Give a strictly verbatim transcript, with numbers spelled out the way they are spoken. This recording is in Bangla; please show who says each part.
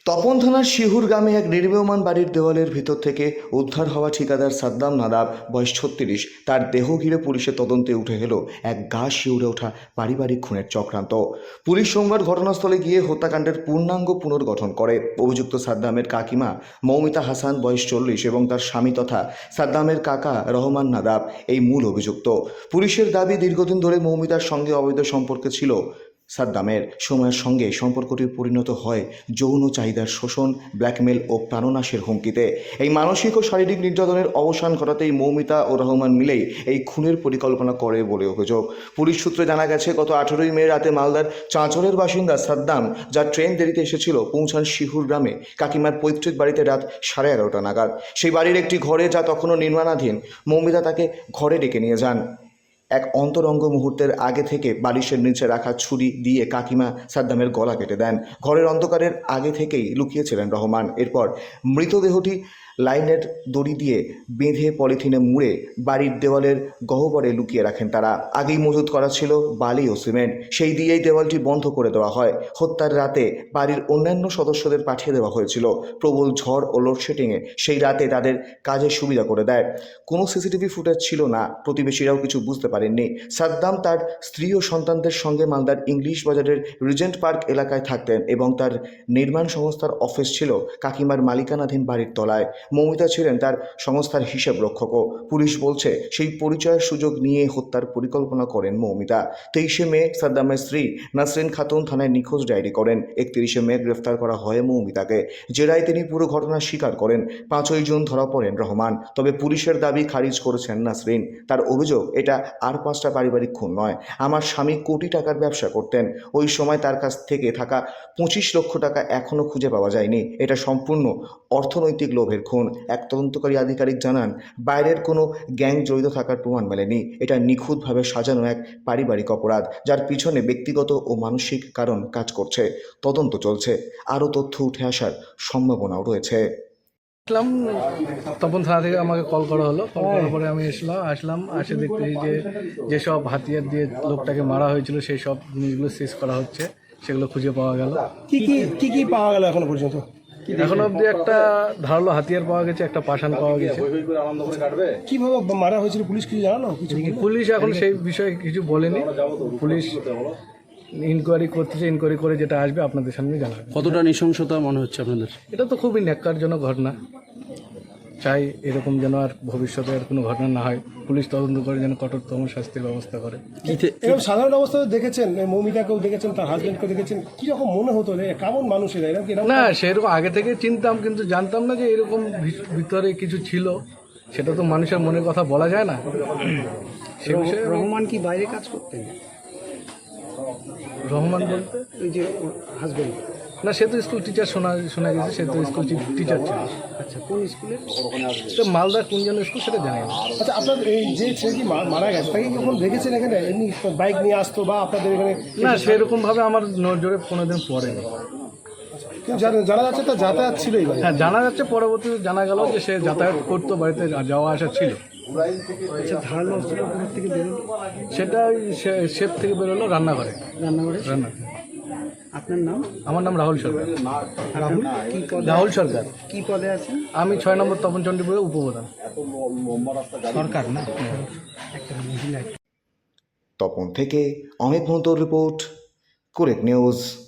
Speaker 1: তপন থানার শিহুর গ্রামে এক নির্মীয়মান বাড়ির দেওয়ালের ভিতর থেকে উদ্ধার হওয়া ঠিকাদার সাদ্দাম নাদাব বয়স ছত্রিশ তার দেহ ঘিরে পুলিশের তদন্তে উঠে এলো এক গা শিউরে ওঠা পারিবারিক খুনের চক্রান্ত। পুলিশ সোমবার ঘটনাস্থলে গিয়ে হত্যাকাণ্ডের পূর্ণাঙ্গ পুনর্গঠন করে। অভিযুক্ত সাদ্দামের কাকিমা মৌমিতা হাসান বয়স চল্লিশ এবং তার স্বামী তথা সাদ্দামের কাকা রহমান নাদাব এই মূল অভিযুক্ত। পুলিশের দাবি, দীর্ঘদিন ধরে মৌমিতার সঙ্গে অবৈধ সম্পর্কে ছিল সাদ্দামের। সময়ের সঙ্গে সম্পর্কটি পরিণত হয় যৌন চাহিদার শোষণ, ব্ল্যাকমেল ও প্রাণনাশের হুমকিতে। এই মানসিক ও শারীরিক নির্যাতনের অবসান ঘটাতেই মৌমিতা ও রহমান মিলেই এই খুনের পরিকল্পনা করে বলে অভিযোগ। পুলিশ সূত্রে জানা গেছে, গত আঠেরোই মে রাতে মালদার চাঁচলের বাসিন্দা সাদ্দাম, যার ট্রেন দেরিতে এসেছিল, পৌঁছান শিহুর গ্রামে কাকিমার পৈতৃক বাড়িতে রাত সাড়ে এগারোটা নাগাদ। সেই বাড়ির একটি ঘরে, যা তখনও নির্মাণাধীন, মৌমিতা তাকে ঘরে ডেকে নিয়ে যান। এক অন্তরঙ্গ মুহূর্তের আগে থেকে বালিশের নিচে রাখা ছুরি দিয়ে কাকিমা সাদ্দামের গলা কেটে দেন। ঘরের অন্ধকারের আগে থেকেই লুকিয়েছিলেন রহমান। এরপর মৃতদেহটি লাইনের দড়ি দিয়ে বেঁধে পলিথিনে মুড়ে বাড়ির দেওয়ালের গহ্বরে লুকিয়ে রাখেন তারা। আগেই মজুত করা ছিল বালি ও সিমেন্ট, সেই দিয়েই দেওয়ালটি বন্ধ করে দেওয়া হয়। হত্যার রাতে বাড়ির অন্যান্য সদস্যদের পাঠিয়ে দেওয়া হয়েছিল। প্রবল ঝড় ও লোডশেডিংয়ে সেই রাতে তাদের কাজের সুবিধা করে দেয়। কোনো সিসিটিভি ফুটেজ ছিল না, প্রতিবেশীরাও কিছু বুঝতে পারেননি। সাদ্দাম তার স্ত্রী ও সন্তানদের সঙ্গে মালদার ইংলিশ বাজারের রিজেন্ট পার্ক এলাকায় থাকতেন এবং তার নির্মাণ সংস্থার অফিস ছিল কাকিমার মালিকানাধীন বাড়ির তলায়। মৌমিতা ছিলেন তার সংস্থার হিসাব রক্ষকও। পুলিশ বলছে, সেই পরিচয়ের সুযোগ নিয়ে হত্যার পরিকল্পনা করেন মৌমিতা। তেইশে মে সাদ্দামের স্ত্রী নাসরিন খাতুন থানায় নিখোঁজ ডায়েরি করেন। একত্রিশে মে গ্রেফতার করা হয় মৌমিতাকে। জেরায় তিনি পুরো ঘটনা স্বীকার করেন। পাঁচই জুন ধরা পড়েন রহমান। তবে পুলিশের দাবি খারিজ করেছেন নাসরিন। তার অভিযোগ, এটা আর পাঁচটা পারিবারিক খুন নয়। আমার স্বামী কোটি টাকার ব্যবসা করতেন। ওই সময় তার কাছ থেকে থাকা পঁচিশ লক্ষ টাকা এখনও খুঁজে পাওয়া যায়নি। এটা সম্পূর্ণ অর্থনৈতিক লোভের খুন। এক তদন্তকারী আধিকারিক জানান, বাইরের কোনো গ্যাং জড়িত থাকার প্রমাণ মেলেনি। এটা নিখুঁতভাবে সাজানো এক পারিবারিক অপরাধ, যার পিছনে ব্যক্তিগত ও মানসিক কারণ কাজ করছে। তদন্ত চলছে, আরও তথ্য উঠে আসার সম্ভাবনাও রয়েছে।
Speaker 2: আসলাম, তপন থানা থেকে আমাকে কল করা হলো। কল করার পরে আমি এসলাম আসলাম আসে দেখতেছি যে যেসব হাতিয়ার দিয়ে লোকটাকে মারা হয়েছিল সেই সব জিনিসগুলো শেষ করা হচ্ছে, সেগুলো খুঁজে পাওয়া গেল।
Speaker 3: কি কি কি কি পাওয়া গেল এখনো পর্যন্ত?
Speaker 2: এখন অবধি একটা ধারালো হাতিয়ার পাওয়া গেছে, একটা পাষাণ পাওয়া গেছে।
Speaker 3: কিভাবে মারা হয়েছিল পুলিশ কিছু জানানো? কিছু
Speaker 2: পুলিশ এখন সেই বিষয়ে কিছু বলেনি। পুলিশ ইনকোয়ারি করতেছে, ইনকোয়ারি করে যেটা আসবে আপনাদের সামনে জানাবে।
Speaker 4: কতটা নৃশংসতা মনে হচ্ছে আপনাদের?
Speaker 2: এটা তো খুবই ন্যাক্কারজনক ঘটনা। চাই এরকম যেন আর ভবিষ্যতে আর কোনো ঘটনা না হয়। পুলিশ তদন্ত করে যেন কঠোরতম শাস্তির ব্যবস্থা করে।
Speaker 3: এরকম সাধারণ অবস্থায় দেখেছেন, মৌমিতাকেও দেখেছেন, তার হাজবেন্ডকে দেখেছেন, কিরকম মনে হতো যে কেমন মানুষ এরা? এরকম
Speaker 2: না, সেরকম আগে থেকে চিনতাম, কিন্তু জানতাম না যে এরকম ভিতরে কিছু ছিল। সেটা তো মানুষের মনের কথা বলা যায় না। সে বিষয়ে
Speaker 5: রহমান কি বাইরে কাজ করতেন?
Speaker 2: রহমান বলতে
Speaker 5: ওই যে হাজবেন্ড?
Speaker 2: না, সে তো স্কুল টিচার শোনা শোনা গেছে। সে তো স্কুল টিচার ছিল।
Speaker 5: আচ্ছা, কোন স্কুলে?
Speaker 2: তো মালদা কোন জন স্কুল সেটা জানি না।
Speaker 3: আচ্ছা, আপনার এই যে ছেলেটি মারা গেছে তাকে যখন দেখেছেন এখানে, এমনি বাইক নিয়ে আসতো বা আপনাদের এখানে?
Speaker 2: না, সেরকম ভাবে আমার নজরে কোনোদিন পড়েনি।
Speaker 3: জানা যাচ্ছে তার যাতায়াত ছিল এই বাড়ি?
Speaker 2: হ্যাঁ, জানা যাচ্ছে, পরবর্তীতে জানা গেল যে সে যাতায়াত করতো, বাড়িতে যাওয়া আসা ছিল।
Speaker 5: আচ্ছা, ধারালো অস্ত্র কোথা থেকে বেরোলো?
Speaker 2: সেটা শেপ থেকে বেরোলো রান্নাঘরে।
Speaker 5: রান্নাঘরে?
Speaker 2: রান্না।
Speaker 5: আপনার নাম?
Speaker 2: আমার নাম রাহুল সরকার।
Speaker 5: রাহুল কি পদে?
Speaker 2: রাহুল সরকার।
Speaker 5: কি পদে আছেন?
Speaker 2: আমি ছয় নম্বর তপন চণ্ডীপুরের উপপ্রধান।
Speaker 5: সরকার না?
Speaker 1: তপন থেকে অমিত মন্তর রিপোর্ট, কুরেক নিউজ।